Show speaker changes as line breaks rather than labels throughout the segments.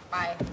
ไป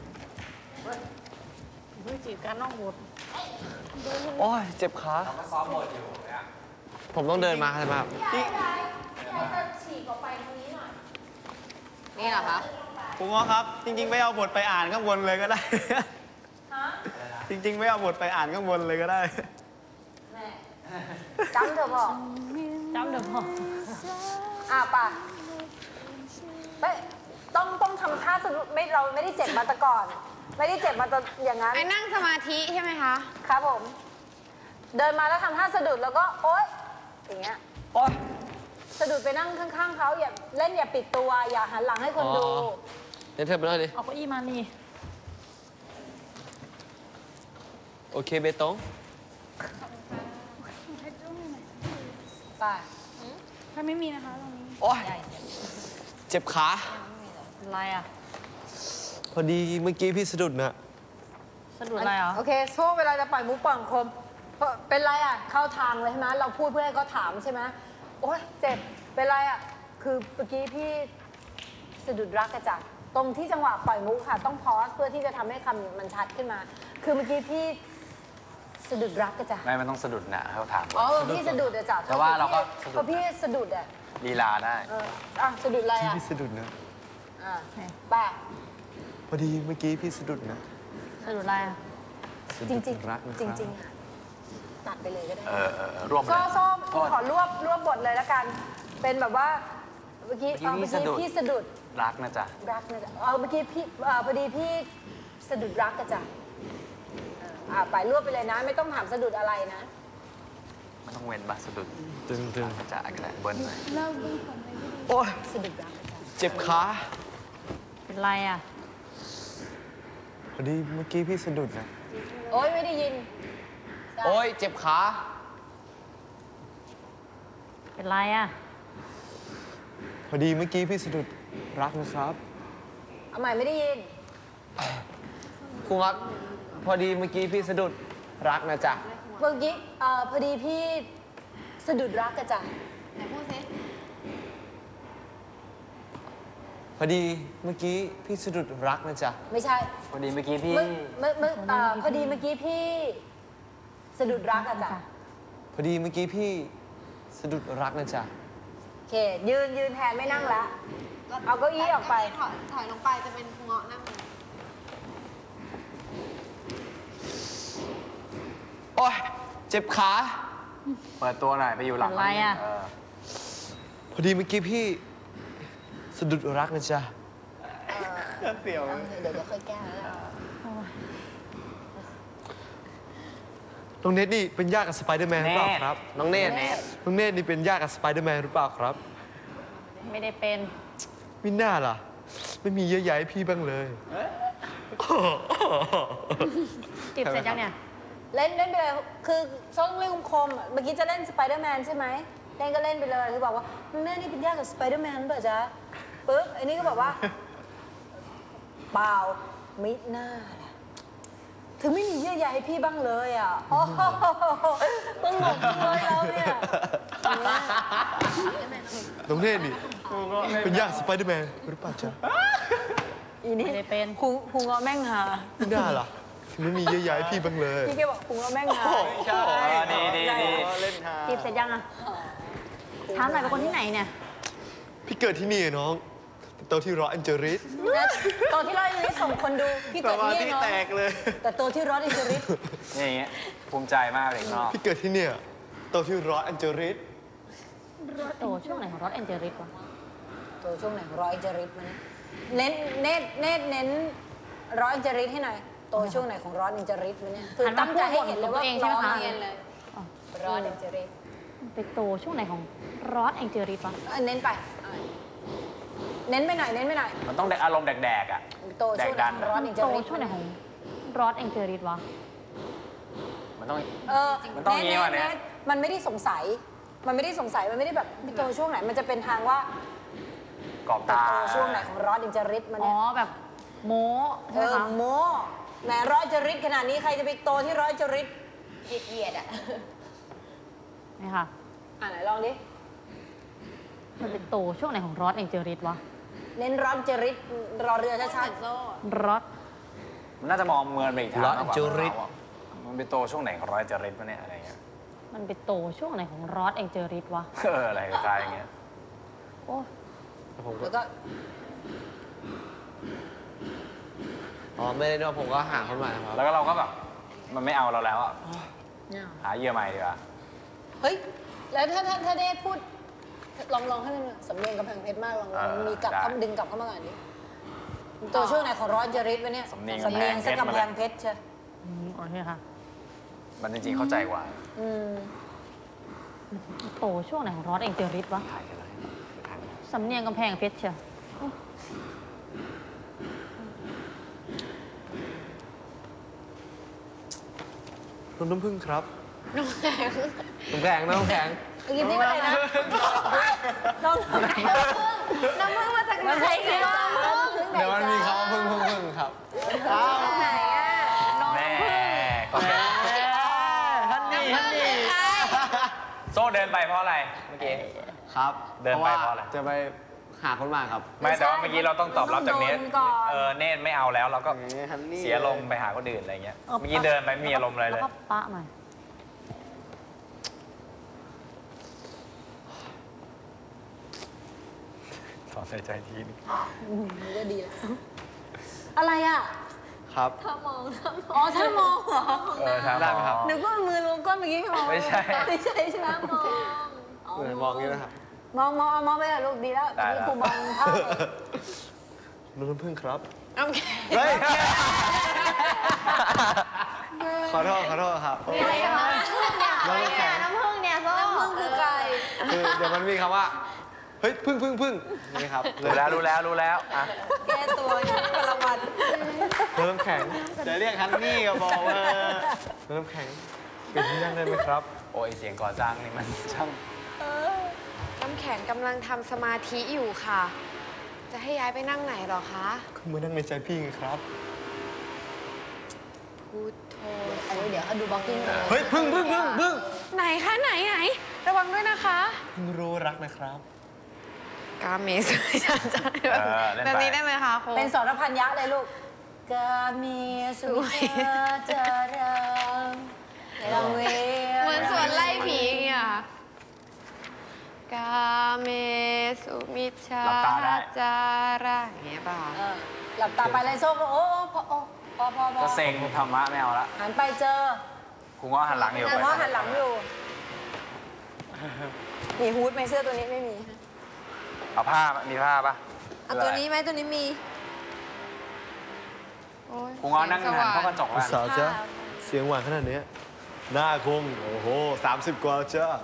เฮ้ยจีบการนอกบท
โอ้ยเจ็บขา
เราก็ซ้อมบทอยู่เนี่ย
ผมต้องเดินมาใช่ไหมครับ
พี่จะฉีกออกไปตรงนี้หน่อย
นี่เหรอคะ
ผมว่าครับ จริงๆไม่เอาบทไปอ่านข้างบนเลยก็ได้
ฮะ
จริงๆไม่เอาบทไปอ่านข้างบนเลยก็ได้
แม่จำเถอะบอก
จำเดี๋ยวพอ
ป่ะไปต้องทำท่าสนุกไม่เราไม่ได้เจ็บมาแต่ก่อน ไม่ได้เจ็บมาแต่อย่างนั้น
ไอ้นั่งสมาธิใช่ไหมคะ
ครับผม เดินมาแล้วทำท่าสะดุดแล้วก็โอ๊ยอย่างเงี้ย
โอ้ย
สะดุดไปนั่งข้างๆเขาอย่าเล่นอย่าปิดตัวอย่าหันหลังให้คนดู
อ๋อ เดี๋ยวเธอไปเลยดิ
เอาเก้าอี้มานี่
โอเคเบตง
ไป
ถ้าไม่มีนะคะตรงนี้
โอ้ยเจ็บขา
อะไรอ่ะ
พอดีเมื่อกี้พี่สะดุดนะ
สะดุดอะไรอ่ะ
โอเคโซ่เวลาจะปล่อยมุกปล่อยคมเป็นไรอ่ะเข้าทางเลยใช่ไหมเราพูดเพื่อให้เขาถามใช่ไหมโอ๊ยเจ็บเป็นไรอ่ะคือเมื่อกี้พี่สะดุดรักกระจักตรงที่จังหวะปล่อยมุกค่ะต้องพอสเพื่อที่จะทำให้คำมันชัดขึ้นมา คือเมื่อกี้พี่สะดุดรักกระจัก
ไม่มันต้องสะดุดนะเขาถาม
อ๋อพี่สะดุดอะจ้ะ
แต่ว่าเราก็สะดุด
พอพี่สะดุดอะ
ลีลาได้
สะดุดอะไรอะ
พี่สะดุดนะ
ป่ะ
พอดีเมื่อกี้พี่สะดุดนะ
สะดุดอะไรอ่ะ
สะ
จ
ดุ
ริ
ด
งจริง
รักนะค
จ
รับ
ริงตัดไปเลยก็ได้
รวมเล
โซ่
ย
โซ่
โทษ
ขอรวบบทเลยแล้วกัน เป็นแบบว่าเมื่อกี้
เมื่อกี้พี่สะดุด
พี่สะดุด
รักนะจ๊ะ
รักนะจ๊ะเมื่อกี้พี่พอดีพี่สะดุดรักกะจ้ะไปรวบไปเลยนะ ไม่ต้องถามสะดุดอะไรนะ
มันต้องเว้นบ้าสะดุด
ตึง
นะจ๊ะก็ได้เบิ้ลหน่อย
โอ้ย
สะดุดรักกะจ้ะ
เจ็บขา
เป็นไรอ่ะ
พอดีเมื่อกี้พี่สะดุดนะ
โอ๊ยไม่ได้ยิน
โอ้ยเจ็บขา
เป็นไรอ่ะ
พอดีเมื่อกี้พี่สะดุดรักนะครับ
เอาใหม่ไม่ได้ยิน
ครูครับพอดีเมื่อกี้พี่สะดุดรักนะจ๊ะ
เมื่อกี้พอดีพี่สะดุดรักกะจ้ะไหนพูดสิ
พอดีเมื่อกี้พี่สะดุดรักนะจ๊ะ
ไม่ใช่
พอดีเมื่อกี้พี่
พอดีเมื่อกี้พี่สะดุดรักอะจ้ะ
พอดีเมื่อกี้พี่สะดุดรักนะจ๊ะ
โอเคยืนแทนไม่นั่งละเอาเก้าอี้ออกไป
ถอยลงไปจะเป็นเงาะนั่ง
โอ้ยเจ็บขา
เปิดตัวหน่อยไปอยู่หลัง
อะไรอะ
พอดีเมื่อกี้พี่สะดุดรักนะจ๊ะ
เสี่ยว
เดี๋ยวค่อยแก้แล้ว
น้องเนทนี่เป็นญาติกับสไปเดอร์แมนหรือเปล่าครับ น้องเนทน้องเนทนี่เป็นญาติกับสไปเดอร์แมนหรือเปล่าครับ
ไม่ได้เป็น
ไม่น่าล่ะ ไม่มีเยอะแยะให้พี่บ้างเลย
จีบเสร็จยังเนี่ย
เล่นไปเลยคือช่องเล่นคมๆเมื่อกี้จะเล่นสไปเดอร์แมนใช่ไหมเล่นก็เล่นไปเลยคือบอกว่าแม่นี่เป็นญาติกับสไปเดอร์แมนเปล่าจ๊ะปึ๊บไอ้นี่ก็บอกว่าเปล่าไม่น่าล่ะถึงไม่มีเยื่อใยให้พี่บ้างเลยอ่ะโอ้โหตลกเลยเราเนี่ย
น้องเนทนี่เป็นญาติสไปเดอร์แมนหรือเปล่าจ๊ะ
อีนี่
ไม่ได้เป็น
พุงเอาแม่งหา
ไม่น่าล่ะถึงไม่มีเยอะแยะให้พี่บ้างเลย
พี่แกบอกพุงเอาแม่งหา
ใช่
ดี
เล่นทา
จีบเสร็จยังอ่ะถามหน่อยเป็นคนที่ไหนเนี่ย
พี่เกิดที่นี่อะน้องโตที่รอสแอนเจลิส
ตัวที่ร้อยนี้ส่งคนดูพี่
ส
เกิด
มา
ที่
ธิ
นี่เนาะ
แตกเลย
แต่ตัวที่ร้อยอินเจริส
นี่อย่างเงี้ยภูมิใจมากเด็กนอก
พี่เกิดที่เนี่ยโตที่รอสแอนเจลิส
โตช่วงไหนของรถแอนเจลิสวะ
ตัวช่วงไหนร้อยอินเจริสมันเน้นเน้นร้อยอินเจริสให้หน่อยตัวช่วงไหนของร้อยอินเจริสมันเนี่ยคือตั้งใจให้เห็นเลยว่าร้อยเลยร้อยอินเจริส
ไปโตช่วงไหนของรถแอนเจลิสวะ
เน้นไปเน้นไปหน่อยเน้นไปหน่อย
มันต้องอารมณ์แดกๆอ่ะ
ตัวช่วงไหนของร้อยอินเจ
โต
ริส
ช่วงไหนของรถแอนเจลิสวะ
มันต้อง
มัน
ต้องอย่างงี้วะเนี่ย
มันไม่ได้สงสัย มันไม่ได้สงสัยมันไม่ได้แบบโตช่วงไหนมันจะเป็นทางว่าก
รอบตา
โตช่วงไหนของร้อยอินเจริสมัน
อ๋อ
เนี่ย
แบบโม้ใช่ไหมคะ
โมแหมร้อยจริตขนาดนี้ใครจะไปโตที่ร้อยจริตเหยียดอ่ะ
นี่ค่ะ
ไหนลองดิ
มันเป็นโตช่วงไหนของรถแอนเจลิสวะ
เน้นร้อนจริตรอเรือชัด
รอด
มันน่าจะมองเมินไปอีกทาง
ร้อน
มากกว่า
จริต
มันเป็นโตช่วงไหนของร้อยจริตวะเนี่ยอะไรเงี้ย
มันไปโตช่วงไหนของรอดแองเจอริสวะ
อะไรคล้ายๆอย่างเงี้ย
โอ้ย
ๆแล้วก็
อ๋อไม่ได้ด้วยผมก็หาคนใหม่ครับ
แล้วก็เราก็แบบมันไม่เอาเราแล้วอ่ะหาเหยื่อใหม่ดีกว่า
เฮ้ย แล้วถ้าได้พูดลองให้มันสำเนียงกำแพงเพชรมากลองมีกลับเข้าดึงกลับเข้ามาก่อนดิตัวช่วงไหนของร้อนจริตวะเนี่ยสำเนียงสักกำแพงเพชรใช่
โอเคค่ะ
มันจริงๆเข้าใจกว่า
โตช่วงไหนของรอดแองเจอริสวะ
ถ่ายกันเลย
สำเนียงกำแพงเพชรเชียว
น้ำผึ้งครับ
น้ำแข็ง
น้ำแข็งน้ำแข็ง
เมื่อกี้นี่อะไรนะน้องน้ำผึ้ง
น้ำมึงมาจากไหน
น้ำผึ้ง
เนี่ย
เดี๋ยวมันมีคำว่าพึ่งครับ
ไหนอ่ะ
แม่
ฮันนี่
โซ่เดินไปเพราะอะไรเมื่อกี้
ครับ
เดินไปเพราะอะไร
จะไปหาคนใหม่ครับ
ไม่แต่ว่าเมื่อกี้เราต้องตอบรับจากเนท
โดนก่อน
เนทไม่เอาแล้วเราก็
ฮันนี่
เสียลมณ์ไปหาคนอื่นอะไรเงี้ย เมื่อกี้เดินไปไม่มีอารมณ์อะไรเลย
แล้วก็ปะมา
ถอนใจทีนึง
มันก็ดีแล้วอะไรอ่ะ
ครับ
ถ้ามอง
อ๋อถ้ามองเหรอ
ครับ
ได้ไหมครับ
นึกว่ามือลงก้นเมื่อกี้มอง
ไม่ใช่
ไม่ใช่ใช่ไหมมอง
เหมือนมองอย่างนี้นะครับ
มองไปเถอะลูกดีแล้วตอนนี้ครูมองภาพเลย
น้ำผึ้งครับ
น้ำแข็ง
เฮ้ย ขอโทษครับ
มีอะไรกันบ้าง
น้ำแข็ง
น้ำผึ้งเนี่ยโซ่
น้ำมึงคือไก่
คือเดี๋ยวมันมีคำว่า เฮ้ยพึ่งนี่ครับ
รู้แล้วอ่ะ
แก้ตัวกระวัน
น้ำแข็ง
จะเรียกฮันนี่ก็บอกว่า
น้ำแข็งเป็นที่นั่งได้ไหมครับ
โอ้ยเสียงก่อสร้างนี่มันช่าง
น้ำแข็งกำลังทำสมาธิอยู่ค่ะ จะให้ย้ายไปนั่งไหนหรอคะ
คือมานั่งในใจพี่ไงครับ
พุทโธ
อันนี้เดี๋ยวเขาดูบล็อกกิ้งเลย
เฮ้ยพึ่ง
ไหนคะไหนระวังด้วยนะคะ
พึ่งรู้รักนะครับ
กาเมสุชันจันแบบนี้ได้ไหมคะครู
เป็นสรพันยะเลยลูกกามีสุจารังลังเว
เหมือนสวนไล่ผีอย่างเงี้ยกาเมสุมิชฌาจาระอย่างเงี้ยป่ะ
หลับตาไปเลยโซ่ก็โอ้พอ
ก็เซ็งธรรมะไม่เอาละ
หันไปเจอ
ครูง้อหันหลังอยู่
แต่ว่าหันหลังอยู่ มีฮูดไหมเสื้อตัวนี้ไม่มี
เอาผ้ามีผ้าปะ
เอาตัวนี้ไหมตัวนี้มีโอ้ย
ครูง้อนั่งหันเข้ากระจก
คุณ
แล้ว
สาวจ๊ะเสียงหวานขนาดนี้หน้าคง โอ้โห 30 กว่าจ้า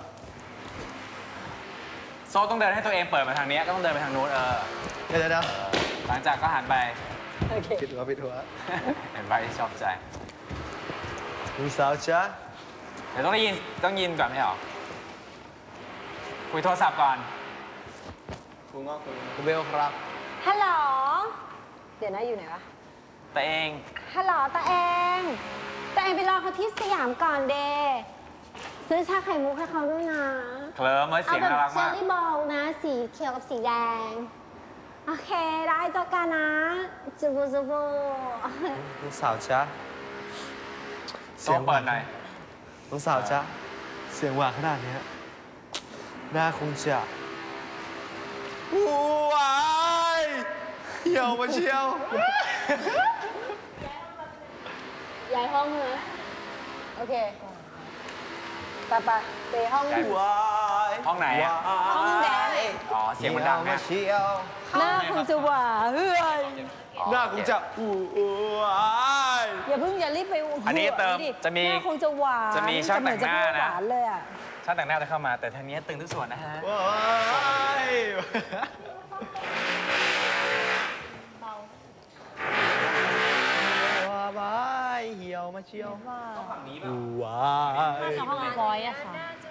โซ่ต้องเดินให้ตัวเองเปิดมาทางนี้ก็ต้องเดินไปทางนู้น
เดี๋ยว
หลังจากก็หันไป
โอเค
ผิดหัว
เห็นไปชอบใจ
คุณสาวจ๊ะ
เดี๋ยวต้องยินก่อนไม่เหรอคุยโทรศัพท์ก่อน
คุณเบลครับ
ฮัลโหล เดี๋ยวนะอยู่ไหนวะ
แต่เอง
ฮัลโหลตาเองไปรอเขาที่สยามก่อนเดซื้อชาไข่มุกให้เขาด้วยนะ
เคลิ้มไว้เสียงน่ารัก
เชอ
มาก
รี่บอลนะ สีเขียวกับสีแดง โอเค ได้เจอกันนะจูบู
คุณสาวจ๊ะ
โซ่เปิดหน่อย
คุณสาวจ๊ะเสียงหวานขนาดนี้หน้าคงจะวายเหี่ยวมาเชียว
ย้ายห้องนะโอเคไปห้อง
วาย
ห้องไหนอะ
ห้องแดน
อ๋อเสียงมันดัง
มา
นะ
เชียว
หน้าคงจะหวานเฮ้ย
หน้าคงจะวาย
อย่าเพิ่งอย่ารีบไป
อันนี้เติม
ดิ
จะมี
หน้าคงจะหวาน
จะมีช่างแต่งหน้านะ
เหมือจพูดหวานเลยอ่ะ
ช่างแต่งหน้าจะเข้ามาแต่ทางนี้ตึงทุกส่วนนะฮะ
วายว้ายเหี่ยวมาเชียว
ฝั่งนี้ป่ะ
วาย
น่าจะห้องบอยอะค่ะ